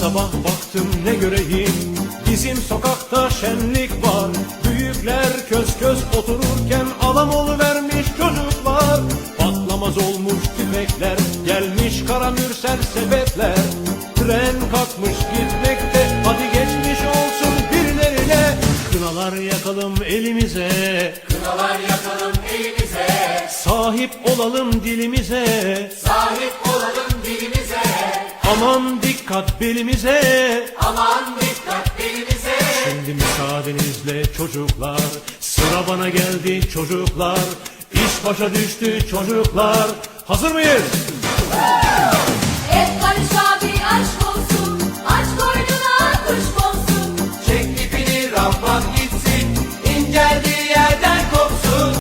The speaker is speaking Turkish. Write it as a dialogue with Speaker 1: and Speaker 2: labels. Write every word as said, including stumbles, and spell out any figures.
Speaker 1: sabah baktım ne göreyim, bizim sokakta şenlik var. Büyükler köz köz otururken adam oluvermiş çocuklar. Patlamaz olmuş tüfekler, gelmiş kara mürsel sepetler. Tren kalkmış gitmekte, hadi geçmiş olsun birilerine. Kınalar yakalım elimize,
Speaker 2: Kınalar yakalım elimize,
Speaker 1: sahip olalım dilimize.
Speaker 2: sahip olalım dilimize.
Speaker 1: Aman dikkat belimize,
Speaker 2: Aman dikkat belimize.
Speaker 1: şimdi müsaadenizle çocuklar, sıra bana geldi çocuklar. İş başa düştü çocuklar, hazır mıyız?